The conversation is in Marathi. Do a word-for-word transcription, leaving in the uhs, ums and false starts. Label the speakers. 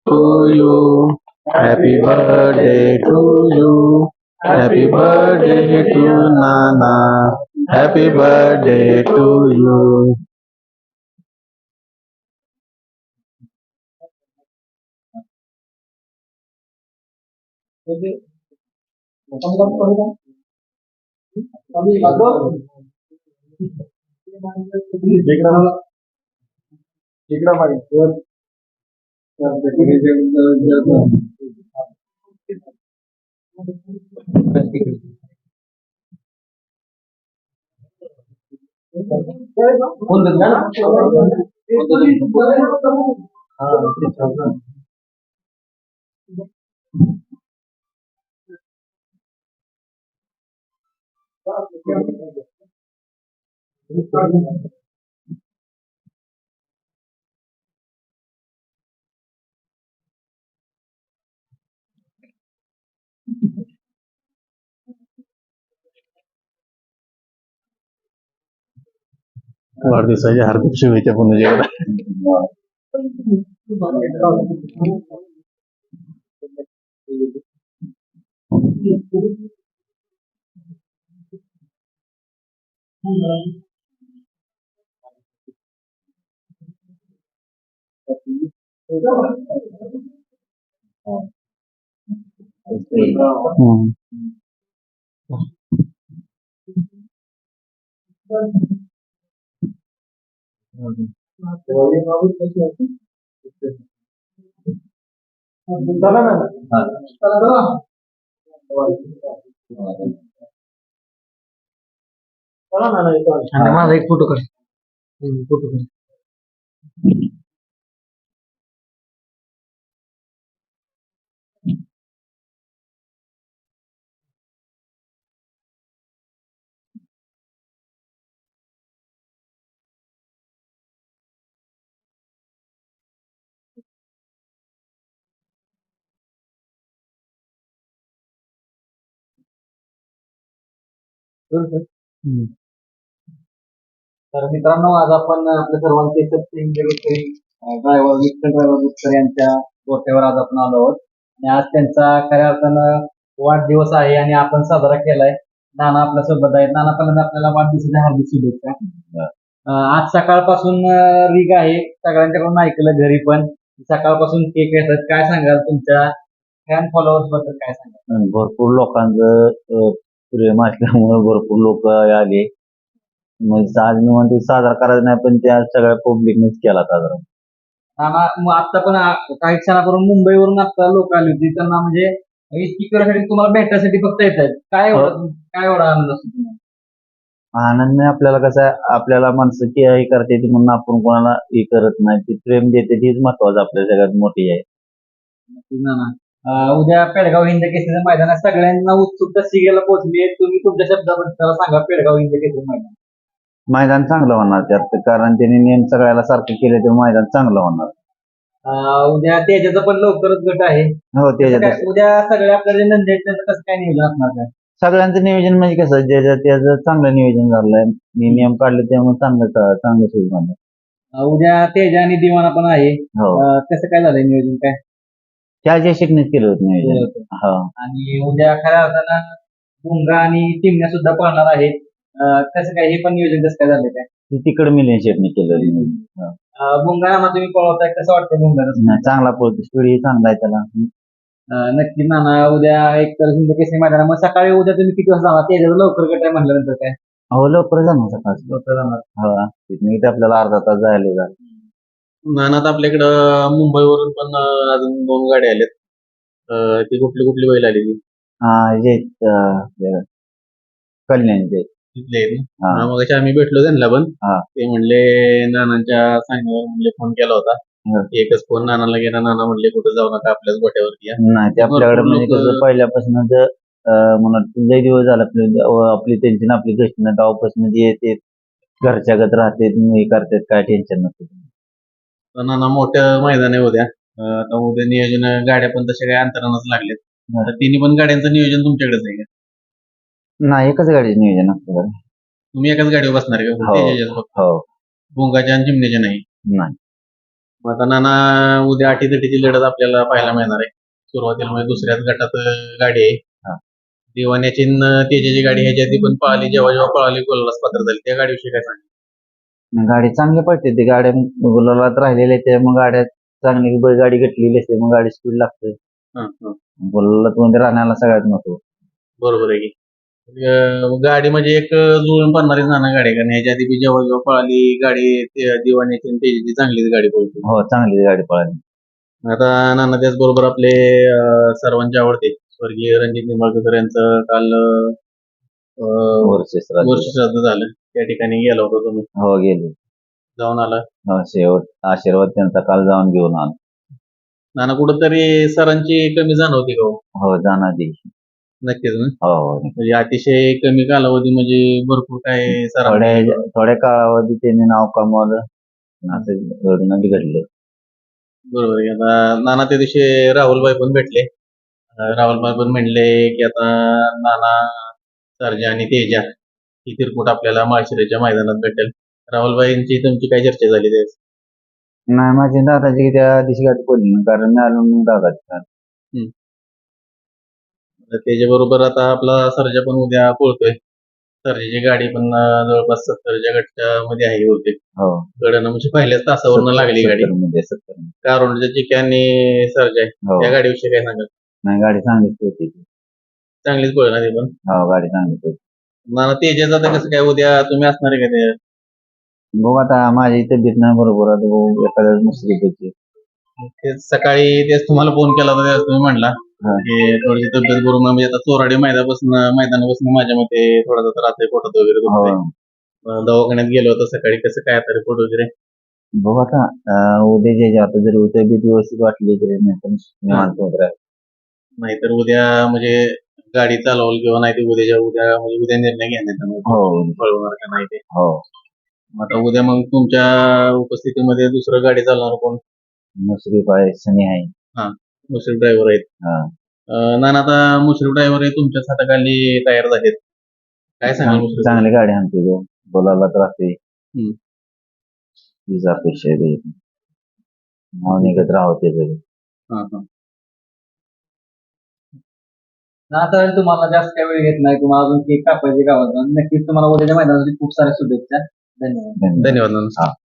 Speaker 1: to you. Happy birthday to you. Happy birthday to Nana. Happy birthday to you. वाढदिवसाच्या हार्दिक शुभेच्छा पुन्हा. माझा एक फोटो काढ. फोटो काढ. तर मित्रांनो, आज आपण आपल्या सर्वांचे ड्रायव्हर विठ्ठल ड्रायव्हर बुचकर यांच्या गोठ्यावर आज आपण आलो आहोत आणि आज त्यांचा खऱ्या अर्थानं वाढदिवस आहे आणि आपण साजरा केलाय. नाना आपल्या सोबत आहेत. नाना, पहिल्यांदा आपल्याला वाढदिवसाच्या हार्दिक शुभेच्छा. अं, आज सकाळपासून रीग आहे, सगळ्यांच्याकडून ऐकलं घरी पण सकाळपासून केक येतात. काय सांगाल तुमच्या फॅन फॉलोअर्स बद्दल, काय सांगाल?
Speaker 2: भरपूर लोकांचं अं, प्रेम असल्यामुळे भरपूर लोक आले. म्हणजे आज मी म्हणतो साजरा करायचा नाही, पण त्या सगळ्या पब्लिकनेच केला साजरा.
Speaker 1: नाना, मग आता पण आ- काही क्षणापूर्वी मुंबईवरून आता लोक आली होती, त्यांना म्हणजे इतकी करण्यासाठी तुम्हाला भेटण्यासाठी फक्त येत आहेत. काय एवढं काय एवढा आनंद असतो तुम्हाला?
Speaker 2: आनंद नाही आपल्याला, कसं आहे, आपल्याला माणसं की हे करते ती म्हणून आपण कोणाला हे करत नाही. ती प्रेम देते तीच महत्वाचं आपल्या सगळ्यात मोठी आहे.
Speaker 1: नक्कीच नाना. अं, उद्या पेडगाव हिंद केसरीचं मैदान आहे. सगळ्यांना उत्सुकता शिगेला पोहोचली आहे. तुम्ही तुमच्या शब्दाबद्दल त्याला सांगा, पेडगाव हिंद केसरी मैदान.
Speaker 2: मैदान चांगलं होणार त्यात, कारण त्यांनी नियम सगळ्याला सारखं केले तर मैदान चांगलं होणार.
Speaker 1: अं, उद्या तेजाचा पण लवकरच गट आहे.
Speaker 2: हो,
Speaker 1: कसं
Speaker 2: त्याच्यात
Speaker 1: काय- उद्या सगळ्या आपल्या जे नंदी आहेत त्याचं कसं काय नियोजन असणार काय?
Speaker 2: सगळ्यांचं नियोजन म्हणजे कसं, ज्याचं त्याचं चांगलं नियोजन झालंय. मी नियम काढले त्यामुळे चांगलं चांगलं सुरू झालं.
Speaker 1: अं, उद्या तेजा आणि दिवाना पण आहे.
Speaker 2: हो,
Speaker 1: अं, कसं काय झालंय नियोजन काय?
Speaker 2: त्या जे शिकण्यात केलं होतं नियोजन. हो,
Speaker 1: आणि उद्या खऱ्या अर्थानं भुंगा आणि चिमण्या सुद्धा पळणार आहेत. अं, कसं काय हे पण नियोजन कसं काय झालं काय?
Speaker 2: ते तिकडे मिलियन शेटने केलं नियोजन. हो.
Speaker 1: अं, भुंगा नाना तुम्ही पळवताय, कसं वाटतं भुंगा?
Speaker 2: नाही, चांगला पळतो, स्पीड ही चांगला आहे त्याला.
Speaker 1: नक्की नाना, उद्या एक तर हिंद केसरी मैदान. मग सकाळी उद्या तुम्ही किती वाजता जाणार? तेजाचं लवकर गट आहे म्हटल्यानंतर काय
Speaker 2: हो, लवकर जाणार सकाळ
Speaker 1: लवकर जाणार?
Speaker 2: हो, तिथून इथे आपल्याला अर्धा तास जायला जा.
Speaker 3: नानात आपल्याकडं मुंबईवरून पण अं, अजून दोन गाड्या आल्यात. अं, ती कुठली कुठली बैल आली ती
Speaker 2: हा, जे अं, कल्याणचे
Speaker 3: तिथले आहेत ना?
Speaker 2: हा.
Speaker 3: हा, मग आम्ही भेटलो त्यांना पण.
Speaker 2: हा.
Speaker 3: ते म्हणले नानांच्या सांगण्यावर म्हणले फोन केला होता.
Speaker 2: हा.
Speaker 3: एकच फोन नानाला गेला. नाना म्हणले कुठं जाऊ नका, आपल्याच गोट्यावरती या.
Speaker 2: नाही, ते आपल्याकडे
Speaker 3: भरपूर
Speaker 2: म्हणजे
Speaker 3: लोकं-
Speaker 2: कसं पहिल्यापासून म्हणून लई दिवस झाला आपली आपली त्यांची ना आपली घटना ना गावापासून जे येते घरच्या गत राहते, हे करतात, काय टेन्शन नसतं.
Speaker 3: तर नाना मोठं मैदान आहे उद्या. अं, आता उद्या नियोजन गाड्या पण तशा काही अंतरानच लागलेत.
Speaker 2: हा.
Speaker 3: तर तिन्ही पण गाड्यांचं नियोजन तुमच्याकडेच आहे का?
Speaker 2: नाही, एकच गाडीचं नियोजन असतं.
Speaker 3: तुम्ही एकाच गाडीवर बसणार का?
Speaker 2: हो.
Speaker 3: तेजाच्याच फक्त?
Speaker 2: हो,
Speaker 3: भोंगाच्या आणि चिमण्याच्या नाही?
Speaker 2: नाही.
Speaker 3: मग आता नाना उद्या अटीतटीची लढत आपल्याला पाहायला मिळणार आहे. सुरुवातीला म्हणजे दुसऱ्याच गटात अं, गाडी आहे.
Speaker 2: हा.
Speaker 3: दिवाण्याची न तेजाची गाडी ह्याच्या आधी पण पळाली, जेव्हा जेव्हा पळाली गोललाच पात्र झाली. त्या गाडीविषयी काय सांगा?
Speaker 2: गाडी चांगली पडते ती गाड्या गुलालात राहिलेल्या त्या मग गाड्या चांगली बैल गाडी घेतलेली असते मग गाडी स्पीड लागते.
Speaker 3: हं, हं.
Speaker 2: गुलालात मध्ये राहण्याला सगळ्यात महत्व.
Speaker 3: बरोबर आहे की अं, गाडी म्हणजे एक जुळून पडणारी नाना गाडी आहे. कारण ह्याच्या आधी बी जेव्हा जेव्हा पळाली गाडी ते दिवाण्याची आणि तेजाची चांगलीच गाडी पळते.
Speaker 2: हो चांगली गाडी पळाली.
Speaker 3: आता नाना त्याचबरोबर आपले अं, सर्वांचे आवडते स्वर्गीय रणजित निंबाळकर यांचं काल अं,
Speaker 2: वर्षेस
Speaker 3: वर्ष श्राद्ध झालं. त्या ठिकाणी गेला होता तुम्ही,
Speaker 2: हो गेले.
Speaker 3: जाऊन आला.
Speaker 2: हो, शेवट आशीर्वाद त्यांचा काल जाऊन घेऊन आलो.
Speaker 3: नाना कुठंतरी सरांची कमी जाणवती का हो?
Speaker 2: हो जाणार ती.
Speaker 3: नक्कीच ना.
Speaker 2: हो हो.
Speaker 3: म्हणजे अतिशय कमी कालावधी म्हणजे भरपूर काय
Speaker 2: थोड्या
Speaker 3: सरांनी
Speaker 2: थोड्या काळावधी त्यांनी नाव कमावलं असं घडून घडलं.
Speaker 3: बरोबर आहे. आता नाना त्या दिवशी राहुलभाई पण भेटले. अं, राहुलभाई पण म्हणले की आता नाना, सर्जा आणि तेजा ही तिरकूट आपल्याला माळशिरसच्या मैदानात भेटेल. राहुलभाईंची तुमची काय चर्चा झाली त्यावेळेस?
Speaker 2: नाही माझी दादाची त्या दिवशी गाडी पडली नाही, कारण मी आलो मग दादाची.
Speaker 3: तर त्याच्याबरोबर आता आपला सर्जा पण उद्या पळतोय. सर्जाची गाडी पण अं, जवळपास सत्तरच्या गटच्या मध्ये आहे होते.
Speaker 2: हो
Speaker 3: कडनं म्हणजे पहिल्याच तासावरनं लागली गाडी.
Speaker 2: सत्तर मध्ये सत्तर मध्ये.
Speaker 3: कारोंडच्या चिक्या आणि सर्जा आहे.
Speaker 2: हो
Speaker 3: त्या गाडीविषयी काय सांगाल?
Speaker 2: नाही गाडी चांगलीच होती ती.
Speaker 3: चांगलीच पळ ना ती पण.
Speaker 2: हो गाडी चांगलीच होती.
Speaker 3: नाना तेजाचं आता कसं काय उद्या तुम्ही असणार आहे का ते?
Speaker 2: बघू आता माझी तब्येत नाही बरोबर आता बघू एखाद्या मुश्किल होती.
Speaker 3: तेच सकाळी तेच तुम्हाला फोन केला होता त्यावेळेस तुम्ही म्हणला
Speaker 2: हा.
Speaker 3: की थोडीशी तब्येत बरोबर नाही. म्हणजे आता चोराडी मैदानापासून मैदानापासून माझ्या मते थोडासा त्रास आहे, पोटात वगैरे
Speaker 2: हो
Speaker 3: दुखतंय. अं, दवाखान्यात गेलो होतो सकाळी. कसं काय आता रिपोर्ट वगैरे?
Speaker 2: बघू आता अं, उद्या जे जे आता जर तब्येत व्यवस्थित वाटली तरी नाही तर निवांत होत राहील.
Speaker 3: नाहीतर उद्या म्हणजे गाडी चालवल किंवा नाही ते उद्याच्या उद्या म्हणजे उद्या निर्णय घेण्यात येणार.
Speaker 2: हो
Speaker 3: पळवणार का नाही ते.
Speaker 2: हो.
Speaker 3: आता उद्या मग तुमच्या उपस्थितीमध्ये दुसरं गाडी चालवणार कोण?
Speaker 2: मुश्रीफ आहे, सनी आहे.
Speaker 3: मुश्रीफ ड्रायव्हर आहेत.
Speaker 2: हा.
Speaker 3: अं, नाना आता मुश्रीफ ड्रायव्हर हे तुमच्याच हाताखाली तयार झालेत. काय सांगाल मुश्रीफ?
Speaker 2: चांगली गाडी आणते तो बोलायला तर राहते.
Speaker 3: हम्म.
Speaker 2: तीच अपेक्षा आहे त्याची. नाव निघत राहते तरी.
Speaker 3: हा, हा.
Speaker 1: आता तुम्हाला जास्त काही वेळ घेत नाही, तुम्हाला अजून केक कापायचे गावात जाऊन. नक्कीच तुम्हाला उद्याच्या मैदानासाठी खूप साऱ्या शुभेच्छा. धन्यवाद.
Speaker 2: धन्यवाद.
Speaker 3: धन्यवाद नाना.
Speaker 2: हा.